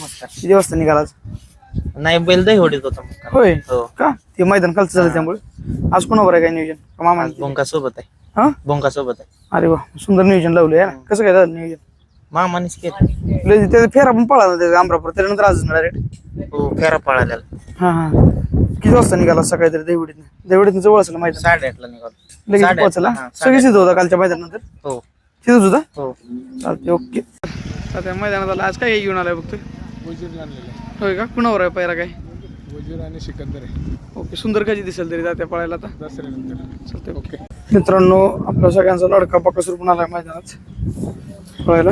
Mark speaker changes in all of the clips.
Speaker 1: नमस्कार.
Speaker 2: किती वाजता निघालाच?
Speaker 1: नाही बैल दही होडीत होता मुक्काम.
Speaker 2: होय
Speaker 1: हो.
Speaker 2: का ते मैदान खालचं झालं त्यामुळे आज कोणावर आहे काय नियोजन का मामा?
Speaker 1: आज भोंका सोबत आहे.
Speaker 2: हा
Speaker 1: भोंका सोबत आहे.
Speaker 2: अरे वा सुंदर नियोजन लावलंय ना. कसं काय झालं नियोजन?
Speaker 1: मामानीच केलं.
Speaker 2: त्याचा फेरा पण पळाला त्याचा अमरापूर त्यानंतर आज डायरेक्ट.
Speaker 1: हो फेरा पळालेला.
Speaker 2: हा हा किती वाजता निघाला सकाळी तरी देवडीतनं जवळ असेल मैदान?
Speaker 1: 8:30ला निघालो.
Speaker 2: लगेच
Speaker 1: 8:30
Speaker 2: पोहोचला
Speaker 1: हा,
Speaker 2: सगळीच तिथं होता कालच्या मैदानानंतर?
Speaker 1: हो
Speaker 2: तिथंच होता?
Speaker 1: हो.
Speaker 2: चालते ओके. आता मैदानात आला आज काय घेऊन आलाय बघतोय?
Speaker 3: वजीर आणलेला आहे.
Speaker 2: होय का कुणावर आहे पहिला काय?
Speaker 3: वजीर आणि सिकंदर आहे.
Speaker 2: ओके सुंदर कधी दिसेल तरी जात्या पळायला आता?
Speaker 3: दसऱ्यानंतर.
Speaker 2: चालते ओके. मित्रांनो आपल्या सगळ्यांचा लाडका बकासूर पण आलाय मैदानात पळायला.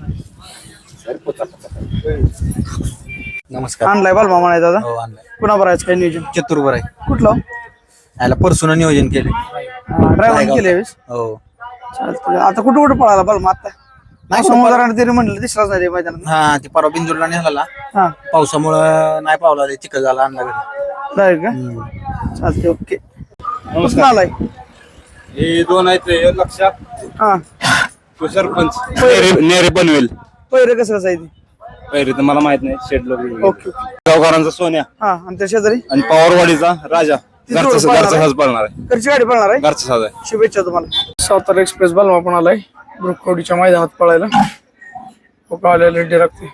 Speaker 4: नमस्कार.
Speaker 2: आणलाय बालमा म्हणाय दादा.
Speaker 4: हो आणलाय.
Speaker 2: कुणावर आहे काय नियोजन?
Speaker 4: चतुर्भर आहे.
Speaker 2: कुठलं?
Speaker 4: याला परसून नियोजन केले.
Speaker 2: ड्रायव्हर केले
Speaker 4: हो.
Speaker 2: चालतंय. आता कुठं कुठं पळाला बालमा आता? नाही समुद्राने तरी म्हणलं दिसलाच नाही रे मैदानात.
Speaker 4: हा ते परवा बिंदूरला निघाला
Speaker 2: हा
Speaker 4: पावसामुळं नाही पावला चिखल झाला आणला घरी.
Speaker 2: जाईल का? चालते ओके. कुठं आलाय?
Speaker 3: हे दोन आहेत लक्षात.
Speaker 2: हा
Speaker 3: तो सरपंच नेरे बनवेल.
Speaker 2: पहिरे कसं आहे ते?
Speaker 3: पहिले तर मला माहित नाही. शेड लोक
Speaker 2: ओके
Speaker 3: गावकरांचा सोन्या
Speaker 2: हा आणि त्या शेजारी
Speaker 3: आणि पवारवाडीचा राजा.
Speaker 2: जोड
Speaker 3: घरचा
Speaker 2: पळणार
Speaker 3: घरचा
Speaker 2: आहे?
Speaker 3: साज पळणार आहे.
Speaker 2: घरची गाडी पळणार आहे?
Speaker 3: घरचा साज आहे.
Speaker 2: शुभेच्छा तुम्हाला. सातारा एक्सप्रेस बालमा पण आलाय ब्रुकवडीच्या मैदानात पळायला. आलेला रेडी लागते.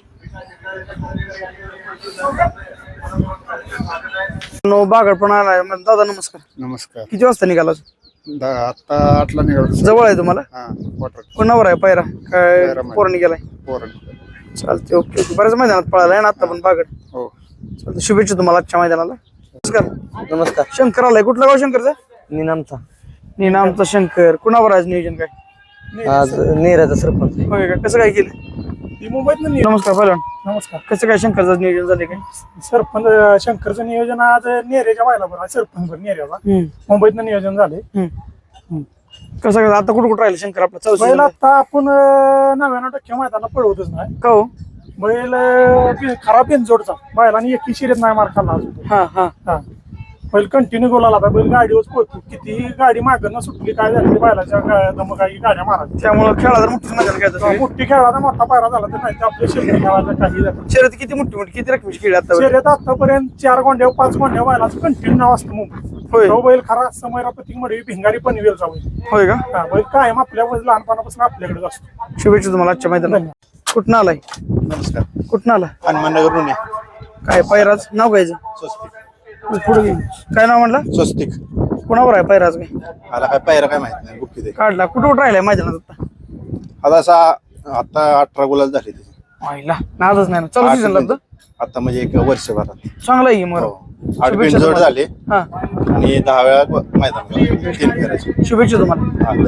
Speaker 2: बागड पण आलाय. दादा नमस्कार.
Speaker 3: नमस्कार.
Speaker 2: किती वाजता निघाला?
Speaker 3: आता 8ला निघालो.
Speaker 2: जवळ आहे तुम्हाला?
Speaker 3: हा क्वार्टर
Speaker 2: कोणावर आहे पायरा काय?
Speaker 3: पायरा माहिती.
Speaker 2: पोरांनी गेलाय?
Speaker 3: पोरण.
Speaker 2: चालते ओके ओके. बऱ्याच मैदानात पळाला आहे ना आता पण बागड.
Speaker 3: हो.
Speaker 2: चालते शुभेच्छा तुम्हाला आजच्या मैदानाला. नमस्कार.
Speaker 1: नमस्कार.
Speaker 2: शंकर आलाय. कुठला गाव शंकरचा?
Speaker 1: निनामचा.
Speaker 2: आमचा शंकर. कुणावर आज नियोजन काय?
Speaker 1: आज नेराचा सरपंच.
Speaker 2: होय का? कसं काय केलं?
Speaker 3: मुंबईत
Speaker 2: नमस्कार पहिलवान.
Speaker 3: नमस्कार.
Speaker 2: कसं काय शंकरचं नियोजन झाले काय?
Speaker 3: सरपंच शंकरचं नियोजन आज नेरेच्या व्हायला बरं सरपंच नेऱ्याचा मुंबईत नियोजन झाले.
Speaker 2: कसं काय आता कुठं कुठं राहिलं शंकर आपला?
Speaker 3: बैल
Speaker 2: चौसा
Speaker 3: आता आपण 99% मैदानाला पळवतच नाही.
Speaker 2: का हो?
Speaker 3: बैल खराब जोडचा बैलांनी एकी शिरीत नाही मार खाल्ला अजून.
Speaker 2: हा हा
Speaker 3: हा बैल कंटिन्यू गोलाला आता बैल गाडीवर पळतो. कितीही गाडी मागणं सुटली काय झाली बैलाच्या दमकाई गाड्या मारायच्या.
Speaker 2: त्यामुळे खेळा जर मोठं मैदान काय
Speaker 3: मोठी खेळाचा मोठा पायरा झाला तर नाही आपल्या शिल्लक खेळायचं काही झालं.
Speaker 2: शर्यत किती मोठी किती रकमेची खेळ आता?
Speaker 3: शर्यत आतापर्यंत 4 गोंड्या 5 गोंड्या बैलाचं कंटिन्यू नाव असतं मुंबईत.
Speaker 2: होय
Speaker 3: तो बैल खरा समयरा प्रतीक मडवी भिंगारी पनवेलचा बैल.
Speaker 2: होय का?
Speaker 3: हा बैल कायम आपल्या लहानपणापासून आपल्याकडेच असतो.
Speaker 2: शुभेच्छा तुम्हाला आजच्या मैदानात. कुठं आलाय?
Speaker 4: नमस्कार.
Speaker 2: कुठं आला?
Speaker 4: हनुमाननगरहून
Speaker 2: काय पैराज नाव घ्यायचं?
Speaker 4: स्वस्तिक.
Speaker 2: पुढे घे. काय नाव म्हणलं?
Speaker 4: स्वस्तिक.
Speaker 2: कोणावर आहे पैराज काय?
Speaker 4: आला काय पायरा काय माहित नाही. बुक्की दे.
Speaker 2: काढला. कुठं कुठं राहिलाय मैदानात आता?
Speaker 4: आता असा आता 18 गुलाल झाले त्याचे.
Speaker 2: व्हायला नादच नाही ना. चालू सीझन लागतं
Speaker 4: आता म्हणजे एक वर्षभरात.
Speaker 2: चांगला आहे की मग.
Speaker 4: 8 बिनजोड झाले
Speaker 2: हा
Speaker 4: आणि 10 वेळा मैदान 3 फेरायचे.
Speaker 2: शुभेच्छा तुम्हाला.